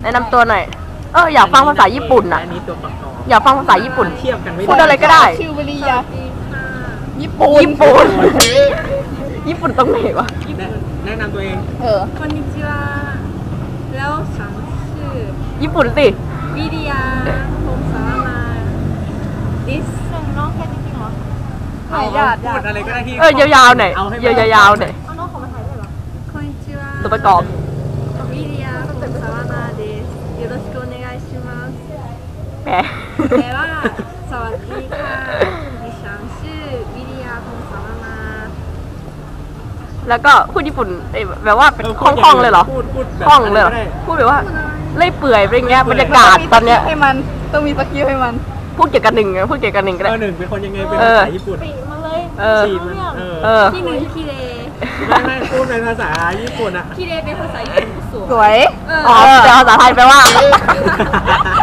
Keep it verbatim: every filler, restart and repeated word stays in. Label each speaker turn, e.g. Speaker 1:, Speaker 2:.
Speaker 1: แนะนำตัวหน่อยเอออยากฟังภาษาญี่ปุ่นอ่ะ
Speaker 2: อันนี้ตัวประกอบ
Speaker 1: อยากฟังภาษาญี่ปุ่น
Speaker 2: เทียบกันไม่ได้
Speaker 1: พูดอะไรก็ได้
Speaker 3: ชื่อวริยาญี่ปุ่น
Speaker 1: ญี่ปุ่นญี่ปุ่นตรงไหนวะ
Speaker 2: แนะแนะนำตัวเอง
Speaker 3: เออ
Speaker 4: こんにちはแล้วฉันชื่อ
Speaker 1: ญี่ปุ่นสิ
Speaker 4: วิริยาพงศาวมาดิสส่งน้องแค่จริงๆเหรอ
Speaker 2: เอา
Speaker 3: ญาติ
Speaker 2: พูดอะไรก็ได้ที่
Speaker 1: เออยาวๆหน่อย
Speaker 2: เอาให้
Speaker 1: ยาวๆหน่อย
Speaker 4: เอาน้องเขามาถ่ายด้วยเหรอこんにちは
Speaker 1: ตัวประกอบ
Speaker 4: วิริยาพงศาวมาですよろしくお願いします
Speaker 1: แหม
Speaker 4: แปลว่าสวัสดีค่ะดิฉันชื่อวิริยาพงศาวมา
Speaker 1: แล้วก็พูดญี่ปุ่นเอ้ยแบบว่าเป็นคล่องๆเลยเหรอ
Speaker 2: พูดพูดแบบ
Speaker 1: คล่องเลยเหรอ
Speaker 2: ก็ได้
Speaker 1: พูดแบบว่าเล่อยเปื่อยเป็นอย่างเงี้ยบรรยากาศตอนเนี้ย
Speaker 3: ให้มันต้องมีสกิลให้มัน
Speaker 1: พูดเกี่ยวกับหนึ่งอะพูดเกี่ยวกับหนึ่งก็
Speaker 2: เอ
Speaker 1: ได้
Speaker 2: อหนึ่งเป็นคนยังไงเป็น
Speaker 1: เออ
Speaker 2: ภาษาญี่ปุ่น
Speaker 4: ปีมาเลย
Speaker 1: เออ
Speaker 2: ฉีดมันเออ
Speaker 1: เออ
Speaker 4: ที่หนึ่งคิเร
Speaker 2: ไม่ไม่พูดเป็นภาษาญี่ปุ่นอะ
Speaker 4: คิเรเป็นภาษาญี่ปุ่นสวย
Speaker 3: สวย
Speaker 4: เออ
Speaker 1: อ๋อแต่ภาษาไทยแปลว่า
Speaker 4: เ